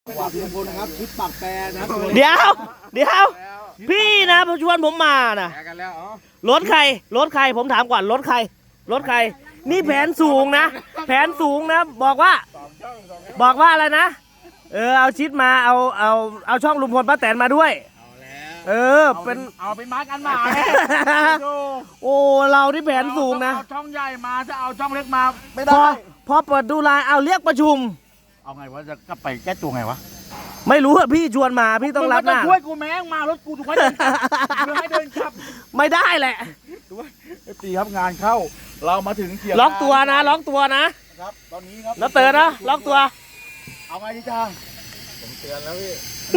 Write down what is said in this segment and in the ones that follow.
ฝากลุงพลนะครับชุดปากแปรนะเดี๋ยวพี่นะชวนผมมานะรถใครผมถามก่อนรถใครนี่แผนสูงนะบอกว่าอะไรนะเอาชิดมาเอาช่องลุงพลป้าแตนมาด้วยเป็นเอาเป็นมาร์กันมาโอ้เราที่แผนสูงนะเอาช่องใหญ่มาจะเอาช่องเล็กมาไม่ได้พอเปิดดูไลน์เอาเรียกประชุมเอาไงวะจะกลับไปแก้ตัวไงวะไม่รู้อะพี่ชวนมาพี่ต้องรับหน้าช่วยกูแม่งมารถกูถูกไหมให้เดินขับไม่ได้แหละตีครับงานเข้าเรามาถึงเกียร์ล็อกตัวนะครับตอนนี้ครับแล้วเตือนนะล็อกตัวเอาไงดีจ้าผมเตือนแล้วพี่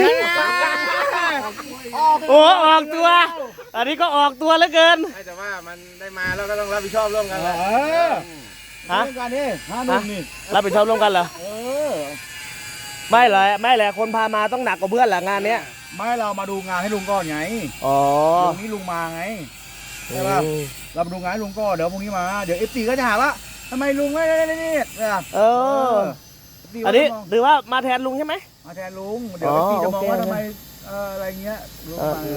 โอ้ออกตัวอันนี้ก็ออกตัวเหลือเกินแต่ว่ามันได้มาแล้วก็ต้องรับผิดชอบร่วมกันแหละฮะการนี่51นี่รับผิดชอบร่วมกันเหรอไม่แหละคนพามาต้องหนักกว่าเพื่อนแหละงานเนี้ยไม่เรามาดูงานให้ลุงก่อนไงลุงนี้ลุงมาไงใช่ป่ะเรามาดูงานให้ลุงก่อนเดี๋ยวพรุ่งนี้มาเดี๋ยวFTก็จะหาว่าทำไมลุงไม่นี่อันนี้ถือว่ามาแทนลุงใช่ไหมมาแทนลุงเดี๋ยวFTจะมองว่าทำไมอะไรเงี้ยลุง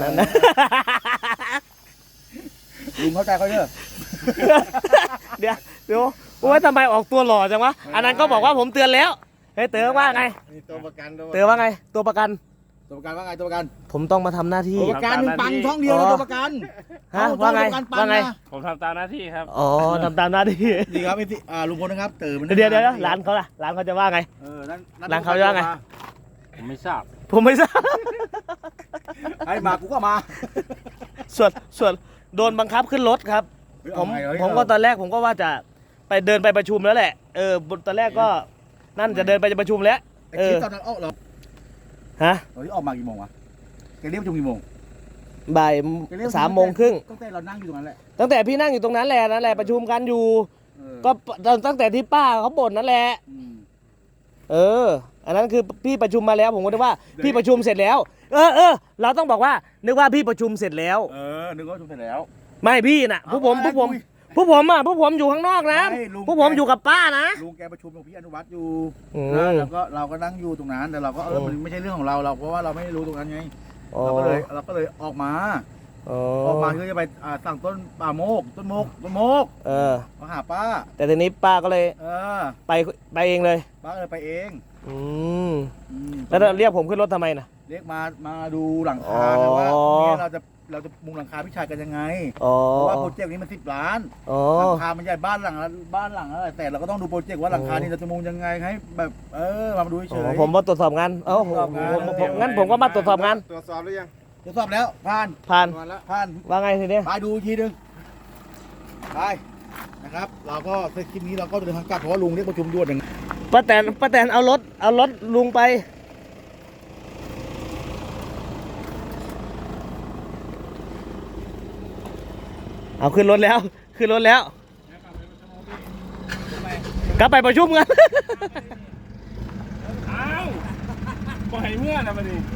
เข้าใจเขาเยอะเดี๋ยวว่าทำไมออกตัวหล่อจังวะอันนั้นก็บอกว่าผมเตือนแล้วเฮ้ยเตือนว่าไงตัวประกันเตือนว่าไงตัวประกันว่าไงตัวประกันผมต้องมาทำหน้าที่ตัวประกันปังช่องเดียวตัวประกันฮะว่าไงผมทำตามหน้าที่ครับทำตามหน้าที่ดีครับลุงพลนะครับเดี๋ยวร้านเขาจะว่าไงร้านเขาจะว่าไงผมไม่ทราบไอ้มากูก็มาส่วนโดนบังคับขึ้นรถครับผมก็ตอนแรกผมก็ว่าจะไปเดินไปประชุมแล้วแหละตอนแรกก็นั่นจะเดินไปประชุมแล้วคลิปตอนนั้นออกเหรอฮะตอนนี้ออกมากี่โมงวะแกเรียกประชุมกี่โมงบ่าย 3:30 ตั้งแต่เรานั่งอยู่ตรงนั้นแหละตั้งแต่พี่นั่งอยู่ตรงนั้นแหละประชุมกันอยู่ก็ตั้งแต่ที่ป้าเขาบ่นนั่นแหละอันนั้นคือพี่ประชุมมาแล้วผมก็นึกว่าพี่ประชุมเสร็จแล้วเราต้องบอกว่านึกว่าพี่ประชุมเสร็จแล้วนึกว่าประชุมเสร็จแล้วไม่พี่น่ะพวกผมอยู่ข้างนอกนะพวกผมอยู่กับป้านะลุงแกประชุมกับพี่อนุวัฒน์อยู่แล้วก็เราก็นั่งอยู่ตรงนั้นแต่เราก็มันไม่ใช่เรื่องของเราเพราะว่าเราไม่รู้ตรงนั้นไงเราก็เลยออกมาเพื่อจะไปสั่งต้นโมกมาหาป้าแต่ทีนี้ป้าก็เลยไปเองเลยป้าเลยไปเองแล้วเรียกผมขึ้นรถทำไมนะเรียกมาดูหลังคาว่าเนี่ยเราจะมุงหลังคาพี่ชายกันยังไงเพราะว่าโปรเจกต์นี้มัน10 ล้านหลังคามันใหญ่บ้านหลังอะไรแต่เราก็ต้องดูโปรเจกต์ว่าหลังคานี้เราจะมุงยังไงให้แบบมาดูเฉยผมมาตรวจสอบงานงั้นผมก็มาตรวจสอบงานตรวจสอบหรือยังตรวจสอบแล้วผ่านว่าไงทีนี้ไปดูทีนึงไปนะครับเราก็ในคลิปนี้เราก็จะเดินทางกลับเพราะว่าลุงเรียกประชุมด่วนอย่างป้าแตนเอารถลุงไปเอาขึ้นรถแล้วกลับไปประชุมกันปล่อยเมื่อนะมันนี่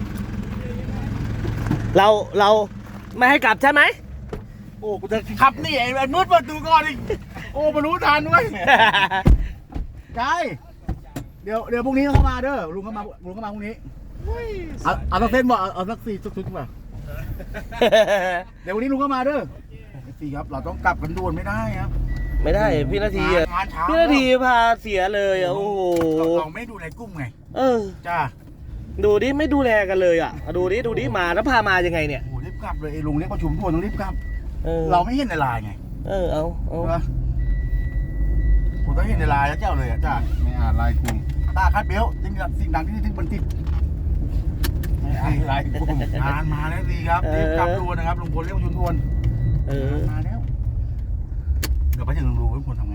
เราไม่ให้กลับใช่ไหมโอ้กูจะขับนี่ไอ้มืดเปิดดูก่อนอีกโอ้มารู้ทันด้วยใช่เดี๋ยวพรุ่งนี้เข้ามาเด้อลุงเข้ามาพรุ่งนี้เอาสักเส้นบ่เอาสัก4ชุดป่ะเดี๋ยววันนี้ลุงเข้ามาเด้อสี่ครับเราต้องกลับกันด่วนไม่ได้ครับไม่ได้พี่นาทีพาเสียเลยโอ้โหเราไม่ดูในกุ้งไงจ้าดูดิไม่ดูแลกันเลยดูดิมาแล้วพามายังไงเนี่ยโอ้รีบกลับเลยลุงเรียกประชุมด่วนต้องรีบกลับเราไม่เห็นในไลน์ไงเอาผมต้องเห็นในไลน์แล้วเจ้าเลยจ้าไม่อ่านไลน์กลุ่มตาคัดเบลสิ่งดังที่ถึงบันทิดไลน์กลุ่มมาแล้วสิครับรีบกลับด่วนนะครับลุงพลเรียกประชุมด่วนมาแล้วเดี๋ยวไปถึงลุงลุงพลทำไง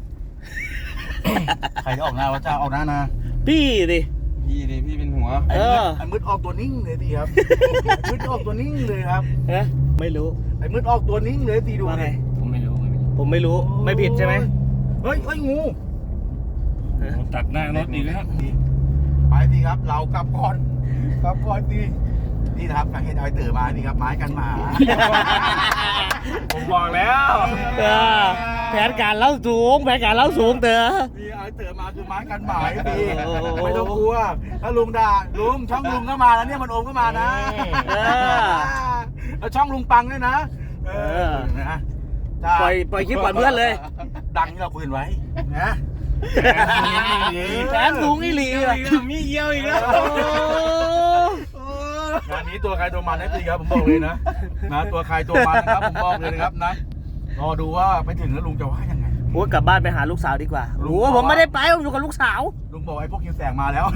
ใครจะออกหน้าวะเจ้าออกหน้านะพี่ดิพี่เป็นหัวไอ้มืดออกตัวนิ่งเลยสิครับมืดออกตัวนิ่งเลยครับไม่รู้ไอ้มืดออกตัวนิ่งเลยสิดูไงผมไม่รู้ไม่ผิดใช่ไหมเฮ้ยงูตัดหน้ารถอีกแล้วไปสิครับเรากลับก่อนสินี่นะครับการให้เอาไอ้เต๋อมานี่ครับไม้กันหมาผมบอกแล้วเออแผนการเล่าสูงเต๋อนี่เอาไอ้เต๋อมาคือไม้กันหมาพี่ไม่ต้องกลัวถ้าลุงด่าลุงช่องลุงก็มาแล้วเนี่ยมันโอมก็มานะเออแล้วช่องลุงปังด้วยนะนะปล่อยคลิปก่อนเพื่อนเลยดังที่เราคุยกันไว้นะแผนสูงอีหลีอะมีเยี่ยวอีกแล้วงานนี้ตัวใครตัวมันนะพี่ครับผมบอกเลยนะตัวใครตัวมันนะครับผมบอกเลยนะครับนะรอดูว่าไปถึงแล้วลุงจะว่ายังไงโอ้ยกลับบ้านไปหาลูกสาวดีกว่าโอ้ผมไม่ได้ไปผมอยู่กับลูกสาวลุงบอกไอ้พวกคิวแสงมาแล้ว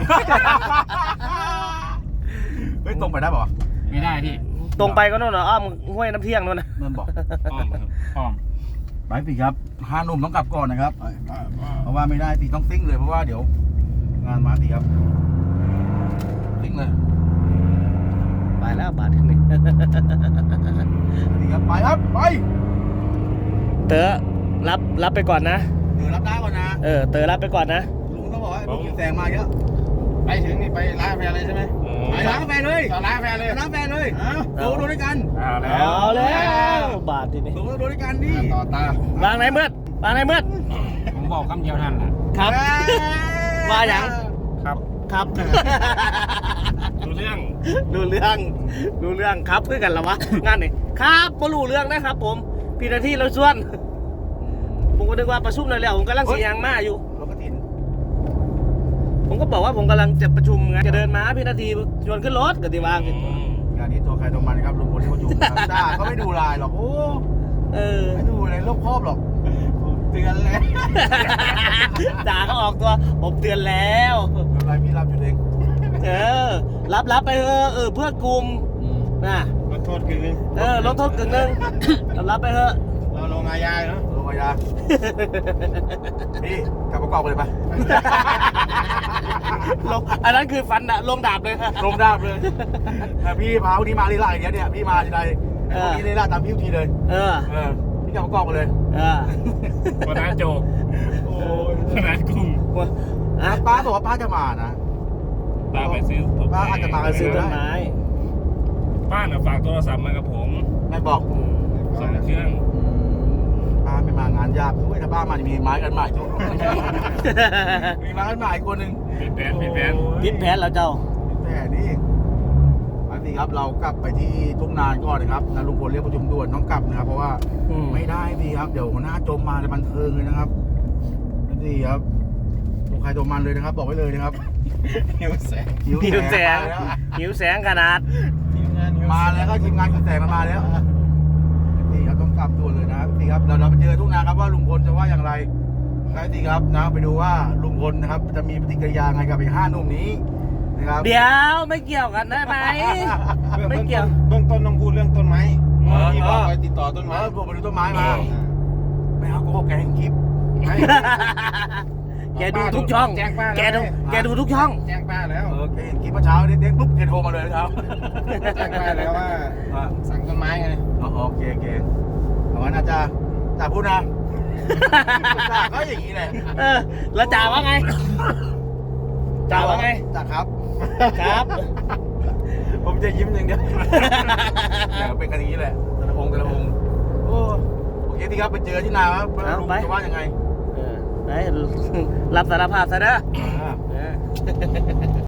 เฮ้ยตรงไปได้ป่ะไม่ได้พี่ตรงไปก็โน่นนะอ้อมห้วยน้ำเที่ยงโน่นนะมันบอกอ้อมครับอ้อมไปพี่ครับ5 หนุ่มต้องกลับก่อนนะครับเพราะว่าไม่ได้พี่ต้องซิ่งเลยเพราะว่าเดี๋ยวงานมาพี่ครับซิ่งเลยไปแล้วบาทที่นี่พี่ครับไปครับไปเต๋อรับไปก่อนนะเดี๋ยวรับได้ก่อนนะเต๋อรับไปก่อนนะลุงต้องบอกว่าไอ้พวกคิวแสงมาเยอะไปถึงนี่ไปร้านกาแฟเลยใช่ไหมไปร้านกาแฟเลยต่อร้านกาแฟเลยไปร้านกาแฟเลยดูด้วยกันเอาแล้วบาทที่นี่ดูด้วยกันนี่ต่อตาวางไหนมืดวางไหนมืดผมบอกคำเดียวนั่นแหละครับ ว่าอย่างครับครับรู้เรื่องรู้เรื่องครับคือกันเหรอวะงานนี่ครับบ่รู้เรื่องนะครับผมพี่นาทีเราชวนผมก็นึกว่าประชุมเลยแล้วผมกำลังสียางมาอยู่รถกระถินผมก็บอกว่าผมกำลังจะประชุมไงจะเดินมาพี่นาทีชวนขึ้นรถก็ตีวางงานนี้ตัวใครตัวมันครับลุงพลที่เขาอยู่ด่าก็ไม่ดูลายหรอกโอ้ ไม่ดูอะไรรอบครอบหรอกเตือนเลยด่าเขาออกตัวผมเตือนแล้วอะไรพี่รับอยู่เองรับไปเพื่อกลุ่มนะลดโทษคือลดโทษกึ่งนึง รับไปเถอะเราลงอาญาเนาะลงมายาพี่กลับประกอบไปเลยปะอันนั้นคือฟันลงดาบเลยลงดาบเลยพี่พาวันนี้มาลีลาอย่างเงี้ยเนี่ยพี่มาทีไรวันนี้ลีลาตามพี่ทุกทีเลยพี่กลับประกอบไปเลยวันนั้นโจกโอ้ยวันนั้นกุ้งป้าบอกว่าป้าจะมานะป้าไปซื้อป้าอาจจะมาไปซื้อต้นไม้ป้าน่ะฝากโทรศัพท์มากับผมไม่บอก 2 เครื่องป้าไม่มางานยากด้วยถ้าป้ามาจะมีไม้กันใหม่มีไม้กันใหม่คนหนึ่งผิดแผนพิษแผนแล้วเจ้าแต่นี่ไปสิครับเรากลับไปที่ทุ่งนาก่อนนะครับนะลุงพลเรียกประชุมด่วนต้องกลับนะครับ เพราะว่าไม่ได้ดีครับเดี๋ยวหัวหน้าจมมาจะบันเทิงเลยนะครับนี่ครับตัวใครตัวมันเลยนะครับ บอกไว้เลยนะครับหิวแสงหิวแสงขนาดมาแล้วก็ทีมงานคุณแสงมาแล้วนี่ครับต้องกลับด่วนเลยนะครับนี่ครับเราไปเจอทุ่งนาครับว่าลุงพลจะว่าอย่างไรได้สิครับนะไปดูว่าลุงพลนะครับจะมีปฏิกิริยาไงกับไอ้5 หนุ่มนี้นะครับเดี๋ยวไม่เกี่ยวกันได้ไหมไม่เกี่ยวเบื้องต้นต้องพูดเรื่องต้นไม้ที่บอกไปติดต่อต้นไม้ผมไปดูต้นไม้มาไม่เอาโกหกแกเห็นคลิปแกดูทุกช่องแจ้งป้าแกดูทุกช่องแจ้งป้าแล้วแกเห็นคลิปเมื่อเช้าเด้งปุ๊บแกโทรมาเลยครับแจ้งป้าแล้วว่าสั่งต้นไม้ไงโอเคเอางั้นอาจารย์จ่าพูดนะจ่าก็อย่างนี้แหละแล้วจ่าว่าไงจ่าว่าไงจ่าครับครับผมจะยิ้มอย่างเดียวเป็นกันอย่างนี้แหละแต่ละองค์โอเคที่ครับไปเจอที่นาครับลุงจะว่ายังไงไปรับสารภาพซะนะ